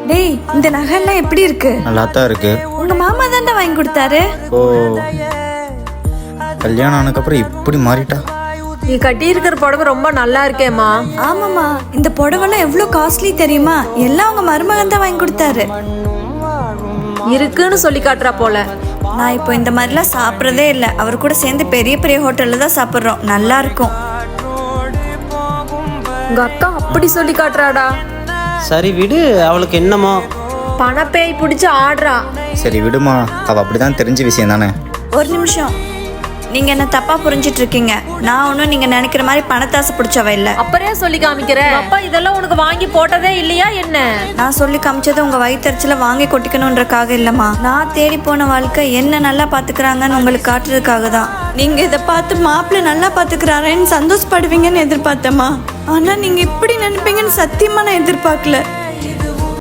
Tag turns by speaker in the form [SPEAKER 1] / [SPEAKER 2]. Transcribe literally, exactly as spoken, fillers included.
[SPEAKER 1] டேய், இந்த நகைலாம் எப்படி இருக்கு?
[SPEAKER 2] நல்லா தான் இருக்கு.
[SPEAKER 1] உங்க மாமா தான்டா வாங்கி கொடுத்தாரு.
[SPEAKER 2] ஓ, கல்யாணம் ஆனதுக்கப்புறம் இப்படி மாறிட்டா?
[SPEAKER 3] நீ கட்டி இருக்கிற புடவை ரொம்ப நல்லா இருக்கேம்மா.
[SPEAKER 1] ஆமாமா, இந்த புடவைலாம் எவ்வளவு காஸ்ட்லி தெரியுமா? எல்லாம் உங்க மருமகன் தான் வாங்கி கொடுத்தாரு.
[SPEAKER 3] இருக்குன்னு சொல்லி காட்டுறா போல.
[SPEAKER 1] நான் இப்போ இந்த மாதிரிலாம் சாப்பிட்றதே இல்லை. அவர் கூட சேர்ந்து பெரிய பெரிய ஹோட்டல்ல தான் சாப்பிட்றோம். நல்லா இருக்கும்.
[SPEAKER 3] உங்க அக்கா அப்படி சொல்லி காட்டுறாடா.
[SPEAKER 4] சரி விடு, அவளுக்கு என்னமோ
[SPEAKER 3] பணப்பேய் பிடிச்சு ஆடுறா.
[SPEAKER 2] சரி விடுமா, அவ அப்படிதான் தெரிஞ்ச விஷயம் தானே.
[SPEAKER 1] ஒரு நிமிஷம், நீங்க என்ன தப்பா புரிஞ்சிட்டு இருக்கீங்க. நான் ஒன்றும் நீங்க நினைக்கிற மாதிரி பணத்தாசை பிடிச்சவ இல்லை.
[SPEAKER 3] அப்பறே சொல்லி காமிக்கிற. அப்பா இதெல்லாம் உனக்கு வாங்கி போட்டதே இல்லையா என்ன?
[SPEAKER 1] நான் சொல்லி காமிச்சது உங்க வயிற்றுல வாங்கி கொட்டிக்கணுன்றக்காக இல்லம்மா. நான் தேடி போன வாழ்க்கை என்ன நல்லா பாத்துக்கிறாங்கன்னு உங்களுக்கு காட்டுறதுக்காக தான். நீங்க இதை பார்த்து மாப்பிள்ளை நல்லா பாத்துக்கிறாரேன்னு சந்தோஷப்படுவீங்கன்னு எதிர்பார்த்தேம்மா. ஆனா நீங்க இப்படி நினைப்பீங்கன்னு சத்தியமா நான் எதிர்பார்க்கல.